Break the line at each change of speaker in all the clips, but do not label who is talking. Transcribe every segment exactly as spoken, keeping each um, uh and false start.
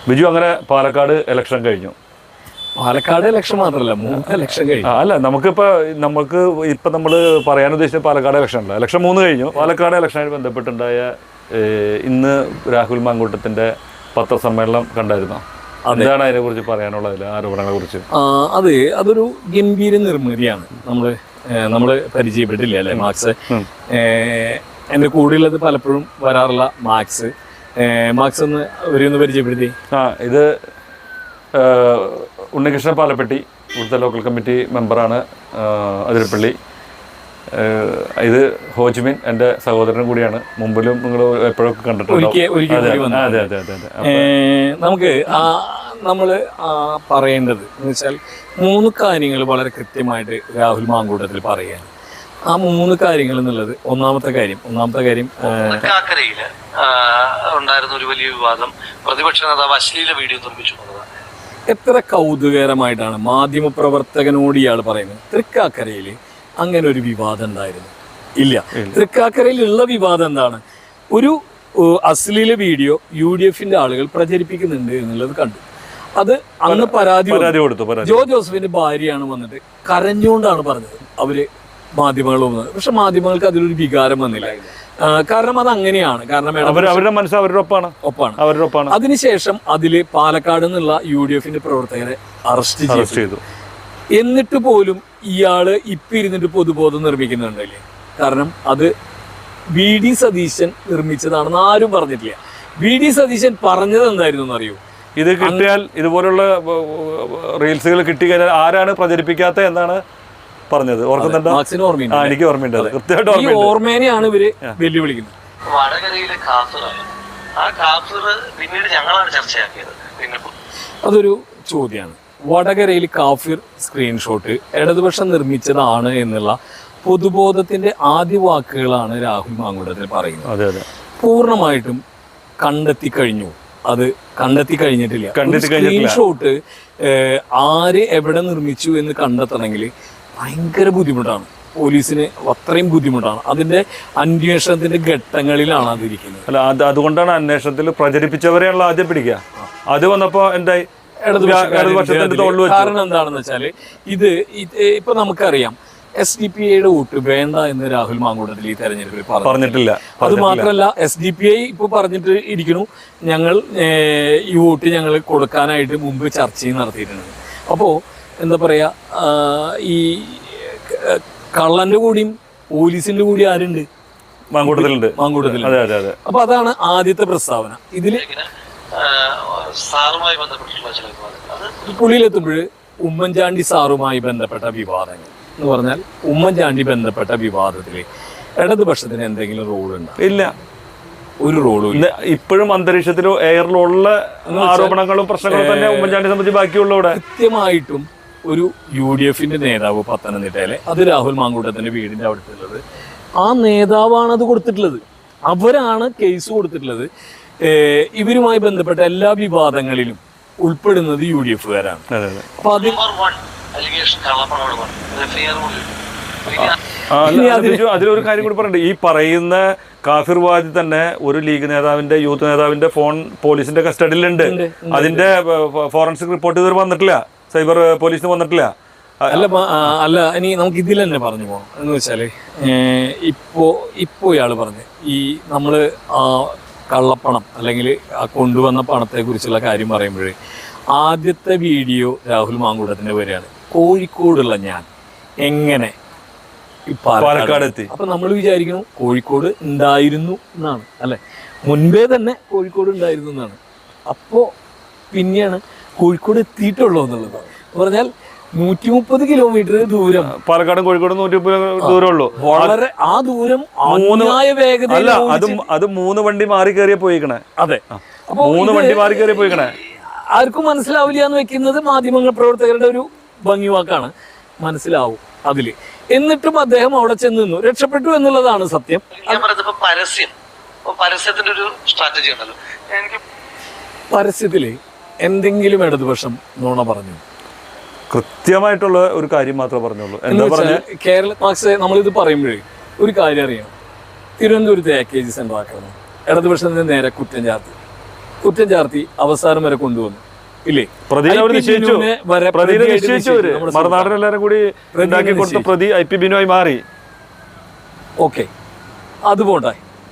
ബിജു, അങ്ങനെ പാലക്കാട് ഇലക്ഷൻ കഴിഞ്ഞു.
പാലക്കാട് ഇലക്ഷൻ മാത്രമല്ല, മൂന്ന് ഇലക്ഷൻ കഴിഞ്ഞു.
അല്ല, നമുക്കിപ്പോൾ നമുക്ക് ഇപ്പം നമ്മൾ പറയാൻ ഉദ്ദേശിച്ച പാലക്കാട് ഇലക്ഷൻ അല്ല, ഇലക്ഷൻ മൂന്ന് കഴിഞ്ഞു. പാലക്കാട് ഇലക്ഷനുമായി ബന്ധപ്പെട്ടുണ്ടായ ഇന്ന് രാഹുൽ മാങ്കൂട്ടത്തിൻ്റെ പത്രസമ്മേളനം കണ്ടായിരുന്നോ? എന്താണ് അതിനെക്കുറിച്ച് പറയാനുള്ളത്, ആരോപണങ്ങളെ കുറിച്ച്?
അത് അതൊരു ഗംഭീര നിർമ്മിതിയാണ്. നമ്മൾ നമ്മൾ പരിചയപ്പെട്ടില്ല അല്ലേ മാക്സ്? എൻ്റെ കൂടെയുള്ളത് പലപ്പോഴും വരാറുള്ള മാക്സ്. മാക്സ് ഒന്ന് ഒരു പരിചയപ്പെടുത്തി.
ആ, ഇത് ഉണ്ണികൃഷ്ണൻ പാലപ്പെട്ടി, ഇവിടുത്തെ ലോക്കൽ കമ്മിറ്റി മെമ്പറാണ്, അതിരപ്പള്ളി. ഇത് ഹോജ്മിൻ എൻ്റെ സഹോദരനും കൂടിയാണ്. മുമ്പിലും നിങ്ങൾ എപ്പോഴൊക്കെ കണ്ടിട്ടുണ്ട്. അതെ അതെ അതെ അതെ
നമുക്ക് നമ്മൾ പറയേണ്ടത് എന്ന് വെച്ചാൽ മൂന്ന് കാര്യങ്ങൾ വളരെ കൃത്യമായിട്ട് രാഹുൽ മാങ്കൂട്ടത്തിൽ പറയുകയാണ്. ആ മൂന്ന് കാര്യങ്ങൾ എന്നുള്ളത്, ഒന്നാമത്തെ കാര്യം ഒന്നാമത്തെ കാര്യം
തൃക്കാക്കരയില് ഉണ്ടായിരുന്ന ഒരു വലിയ വിവാദം, പ്രതിപക്ഷ നേതാവ് അശ്ലീല വീഡിയോ നിർമ്മിച്ചു.
എത്ര കൗതുകകരമായിട്ടാണ് മാധ്യമപ്രവർത്തകനോട് ഇയാൾ പറയുന്നത്. തൃക്കാക്കരയിൽ അങ്ങനെ ഒരു വിവാദം ഉണ്ടായിരുന്നു ഇല്ല. തൃക്കാക്കരയിലുള്ള വിവാദം എന്താണ്? ഒരു അശ്ലീല വീഡിയോ യു ഡി എഫിന്റെ ആളുകൾ പ്രചരിപ്പിക്കുന്നുണ്ട് എന്നുള്ളത് കണ്ടു. അത് അന്ന് പരാതി
കൊടുത്തു.
ജോ ജോസഫിന്റെ ഭാര്യയാണ് വന്നിട്ട് കരഞ്ഞുകൊണ്ടാണ് പറഞ്ഞത് അവര് മാധ്യമങ്ങൾ വന്നത്. പക്ഷെ മാധ്യമങ്ങൾക്ക് അതിലൊരു വികാരം വന്നില്ല. കാരണം അത് അങ്ങനെയാണ്. കാരണം
അവരുടെ മനസ്സ് അവരുടെ ഒപ്പാണ്
ഒപ്പാണ്
അവരുടെ ഒപ്പാണ്
അതിനുശേഷം അതില് പാലക്കാട് നിന്നുള്ള യു ഡി എഫിന്റെ പ്രവർത്തകരെ അറസ്റ്റ് ചെയ്തു. എന്നിട്ട് പോലും ഇയാള് ഇപ്പൊ ഇരുന്നിട്ട് പൊതുബോധം നിർമ്മിക്കുന്നുണ്ടല്ലേ? കാരണം അത് വി ഡി സതീശൻ നിർമ്മിച്ചതാണെന്ന് ആരും പറഞ്ഞിട്ടില്ല. വി ഡി സതീശൻ പറഞ്ഞത് എന്തായിരുന്നു എന്നറിയോ?
ഇത് കിട്ടിയാൽ, ഇതുപോലുള്ള റീൽസുകൾ കിട്ടി കഴിഞ്ഞാൽ ആരാണ് പ്രചരിപ്പിക്കാത്ത എന്നാണ് പറഞ്ഞത്. ഓർക്കുന്നുണ്ടോ? എനിക്ക് ഓർമ്മയുണ്ട്.
ഈ ഓർമ്മേനെയാണ് ഇവര് വെല്ലുവിളിക്കുന്നത്.
വടകരയിലെ കാഫിറാണ്. ആ കാഫിർ പിന്നീട് ഞങ്ങളാണ് ചർച്ചയാക്കിയത്.
അതൊരു ചോദ്യമാണ്. വടകരയിൽ കാഫിർ സ്ക്രീൻഷോട്ട് ഇടതുപക്ഷം നിർമ്മിച്ചതാണ് എന്നുള്ള പൊതുബോധത്തിന്റെ ആദ്യ വാക്കുകളാണ് രാഹുൽ മാങ്കൂട്ടത്തിൽ പറയുന്നത്. പൂർണ്ണമായിട്ടും കണ്ടെത്തി കഴിഞ്ഞു. അത് കണ്ടെത്തി കഴിഞ്ഞിട്ടില്ല. സ്ക്രീൻഷോട്ട് ആര് എവിടെ നിർമ്മിച്ചു എന്ന് കണ്ടെത്തണമെങ്കിൽ ഭയങ്കര ബുദ്ധിമുട്ടാണ്. പോലീസിന് അത്രയും ബുദ്ധിമുട്ടാണ്. അതിന്റെ അന്വേഷണത്തിന്റെ ഘട്ടങ്ങളിലാണ് അതിരിക്കുന്നത്.
അല്ല, അത് അതുകൊണ്ടാണ് അന്വേഷണത്തിൽ പ്രചരിപ്പിച്ചവരെയാണല്ലോ ആദ്യം പിടിക്കുക. അത് വന്നപ്പോ എന്തായി?
കാരണം എന്താണെന്ന് വെച്ചാല് ഇത് ഇപ്പൊ നമുക്കറിയാം, എസ് ഡി പി ഐയുടെ വോട്ട് വേണ്ട എന്ന് രാഹുൽ മാങ്കൂട്ടത്തിൽ ഈ തെരഞ്ഞെടുപ്പിൽ
പറഞ്ഞിട്ടില്ല.
അത് മാത്രമല്ല, എസ് ഡി പി ഐ ഇപ്പൊ പറഞ്ഞിട്ട് ഇരിക്കുന്നു, ഞങ്ങൾ ഈ വോട്ട് ഞങ്ങൾ കൊടുക്കാനായിട്ട് മുമ്പ് ചർച്ചയും നടത്തിയിട്ടുണ്ട്. അപ്പോ എന്താ പറയാ, ഈ കള്ളന്റെ കൂടിയും പോലീസിന്റെ കൂടി ആരുണ്ട്?
മാങ്കൂട്ടത്തിലുണ്ട്.
മാങ്കൂട്ടത്തിലുണ്ട്. അപ്പൊ അതാണ് ആദ്യത്തെ പ്രസ്താവന. ഇതില് പുള്ളിയിലെത്തുമ്പോൾ ഉമ്മൻചാണ്ടി സാറുമായി ബന്ധപ്പെട്ട വിവാദങ്ങൾ എന്ന് പറഞ്ഞാൽ, ഉമ്മൻചാണ്ടി ബന്ധപ്പെട്ട വിവാദത്തില് ഇടതുപക്ഷത്തിന് എന്തെങ്കിലും റോൾ ഉണ്ടോ?
ഇല്ല,
ഒരു റോളും ഇല്ല.
ഇപ്പോഴും അന്തരീക്ഷത്തിലോ എയറിലുള്ള ആരോപണങ്ങളും പ്രശ്നങ്ങളും തന്നെ ഉമ്മൻചാണ്ടി സംബന്ധിച്ച് ബാക്കിയുള്ള. കൃത്യമായിട്ടും
ഒരു യു ഡി എഫിന്റെ നേതാവ് പത്തനംതിട്ടയിലെ, അത് രാഹുൽ മാങ്കൂട്ടത്തിന്റെ വീടിന്റെ അവിടുത്തുള്ളത്, ആ നേതാവാണ് അത് കൊടുത്തിട്ടുള്ളത്. അവരാണ് കേസ് കൊടുത്തിട്ടുള്ളത്. ഇവരുമായി ബന്ധപ്പെട്ട എല്ലാ വിവാദങ്ങളിലും ഉൾപ്പെടുന്നത് യു ഡി എഫുകാരാണ്. അപ്പൊ അത്
അതിലൊരു കാര്യം കൂടി പറയണ്ടേ, ഈ പറയുന്ന കാഫിർവാദി തന്നെ ഒരു ലീഗ് നേതാവിന്റെ, യൂത്ത് നേതാവിന്റെ ഫോൺ പോലീസിന്റെ കസ്റ്റഡിയിലുണ്ട്. അതിന്റെ ഫോറൻസിക് റിപ്പോർട്ട് ഇതുവരെ വന്നിട്ടില്ല, സൈബർ പോലീസിന് വന്നിട്ടില്ല.
അല്ല അല്ല ഇനി നമുക്ക് ഇതിൽ തന്നെ പറഞ്ഞു പോകണം. എന്ന് വെച്ചാല് ഇപ്പോ ഇപ്പോ ഇയാള് പറഞ്ഞു ഈ നമ്മള് ആ കള്ളപ്പണം അല്ലെങ്കിൽ ആ കൊണ്ടുവന്ന പണത്തെ കുറിച്ചുള്ള കാര്യം പറയുമ്പോഴേ ആദ്യത്തെ വീഡിയോ രാഹുൽ മാങ്കൂട്ടത്തിന്റെ വരെയാണ്. കോഴിക്കോടുള്ള ഞാൻ എങ്ങനെ
പാലക്കാട് എത്തി?
അപ്പൊ നമ്മൾ വിചാരിക്കുന്നു കോഴിക്കോട് ഉണ്ടായിരുന്നു എന്നാണ്, അല്ലെ? മുൻപേ തന്നെ കോഴിക്കോട് ഉണ്ടായിരുന്നു എന്നാണ്. അപ്പോ പിന്നെയാണ് കോഴിക്കോട് എത്തിയിട്ടുള്ളൂ എന്നുള്ളത്. പറഞ്ഞാൽ നൂറ്റി മുപ്പത് കിലോമീറ്റർ ദൂരം,
പാലക്കാടും കോഴിക്കോടും നൂറ്റി മുപ്പത് ദൂരം ഉള്ളൂ.
വളരെ ആ ദൂരം വേഗത.
അത് മൂന്ന് വണ്ടി മാറി കയറിയ പോയിക്കണേ.
അതെ,
മൂന്ന് വണ്ടി മാറി കയറിയ പോയിക്കണേ.
ആർക്കും മനസ്സിലാവില്ല എന്ന് വെക്കുന്നത് മാധ്യമ പ്രവർത്തകരുടെ ഒരു ഭംഗിവാക്കാണ്. മനസ്സിലാവും അതില്. എന്നിട്ടും അദ്ദേഹം അവിടെ ചെന്ന് നിന്നു, രക്ഷപ്പെട്ടു എന്നുള്ളതാണ് സത്യം.
പരസ്യം പരസ്യത്തിന്റെ ഒരു സ്ട്രാറ്റജി ഉണ്ടല്ലോ. എനിക്ക്
പരസ്യത്തില് എന്തെങ്കിലും ഇടതുപക്ഷം നുണ പറഞ്ഞു?
കൃത്യമായിട്ടുള്ള ഒരു കാര്യം മാത്രമേ പറഞ്ഞുള്ളൂ. എന്താ പറഞ്ഞ
കേരള മാർക്സ് നമ്മളിത് പറയുമ്പോഴേ ഒരു കാര്യം അറിയണം. തിരുവനന്തപുരത്ത് എ കെ ജി സെന്റർ ആക്കണം, ഇടതുപക്ഷത്തിന് നേരെ കുറ്റം ചാർത്തി. കുറ്റം ചാർത്തി അവസാനം വരെ കൊണ്ടുവന്നു ഇല്ലേ?
പ്രതിനെ അവർ നിശ്ചയിച്ചു
ഐ പി ബിനുവിനെ വരെ
പ്രതിനെ
പ്രതിയായിട്ട്
നിശ്ചയിച്ചു അവര്
നമ്മുടെ
മറുനാടൻ എല്ലാവരും കൂടി
പ്രതിനെ
ഉണ്ടാക്കി കൊടുത്ത
നിശ്ചയിച്ചു.
പ്രതി ഐ പി ബിനുവായി മാറി.
ഓക്കെ, അതുപോട്ടെ.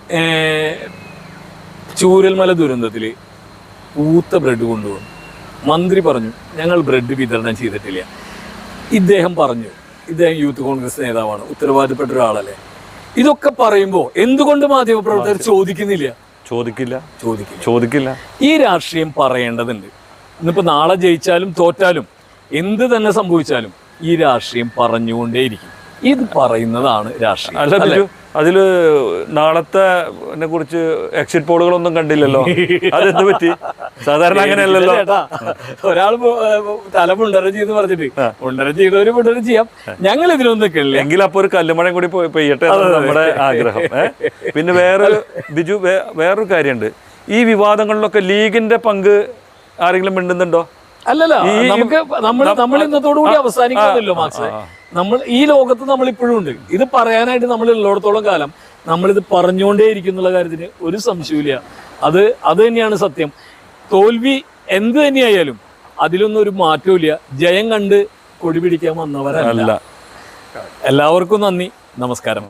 ചൂരൽമല ദുരന്തത്തിൽ പൂത്ത ബ്രെഡ് കൊണ്ടുവന്നു. മന്ത്രി പറഞ്ഞു ഞങ്ങൾ ബ്രെഡ് വിതരണം ചെയ്തിട്ടില്ല. ഇദ്ദേഹം പറഞ്ഞു, ഇദ്ദേഹം യൂത്ത് കോൺഗ്രസ് നേതാവാണ്, ഉത്തരവാദിത്തപ്പെട്ട ഒരാളല്ലേ. ഇതൊക്കെ പറയുമ്പോൾ എന്തുകൊണ്ട് മാധ്യമപ്രവർത്തകർ ചോദിക്കുന്നില്ല?
ചോദിക്കില്ല
ചോദിക്കില്ല
ചോദിക്കില്ല
ഈ രാഷ്ട്രീയം പറയേണ്ടതുണ്ട്. ഇന്നിപ്പോ നാളെ ജയിച്ചാലും തോറ്റാലും എന്ത് തന്നെ സംഭവിച്ചാലും ഈ രാഷ്ട്രീയം പറഞ്ഞുകൊണ്ടേയിരിക്കും. ഇത് പറയുന്നതാണ് രാഷ്ട്രീയം.
അല്ല ബിജു, അതില് നാളത്തെ കുറിച്ച് എക്സിറ്റ് പോളുകളൊന്നും കണ്ടില്ലല്ലോ. അതെന്ത് പറ്റി? സാധാരണ അങ്ങനെയല്ലല്ലോ.
ഒരാൾ തല മുണ്ടരം ചെയ്ത് പറഞ്ഞിട്ട് മുണ്ടരം ചെയ്തവര് മുണ്ടരം ചെയ്യാം, ഞങ്ങൾ ഇതിലൊന്നും നിൽക്കില്ല.
എങ്കിൽ അപ്പൊ ഒരു കല്ലുമഴയും കൂടി പോയി പെയ്യട്ടെ എന്നാണ് നമ്മുടെ ആഗ്രഹം. ഏഹ് പിന്നെ വേറൊരു ബിജു വേറൊരു കാര്യമുണ്ട്. ഈ വിവാദങ്ങളിലൊക്കെ ലീഗിന്റെ പങ്ക് ആരെങ്കിലും മിണ്ടുന്നുണ്ടോ?
അല്ലല്ല, നമുക്ക് നമ്മൾ നമ്മൾ ഇന്നത്തോടു കൂടി അവസാനിക്കുന്നില്ലോ മാക്സ്. നമ്മൾ ഈ ലോകത്ത് നമ്മൾ ഇപ്പോഴും ഉണ്ട്. ഇത് പറയാനായിട്ട് നമ്മൾ ഉള്ളിടത്തോളം കാലം നമ്മളിത് പറഞ്ഞുകൊണ്ടേ ഇരിക്കുന്നുള്ള കാര്യത്തിന് ഒരു സംശയമില്ല. അത് അത് തന്നെയാണ് സത്യം. തോൽവി എന്ത് തന്നെയായാലും അതിലൊന്നും ഒരു മാറ്റവും ഇല്ല. ജയം കണ്ട് കൊടി പിടിക്കാൻ വന്നവരല്ല. എല്ലാവർക്കും നന്ദി, നമസ്കാരം.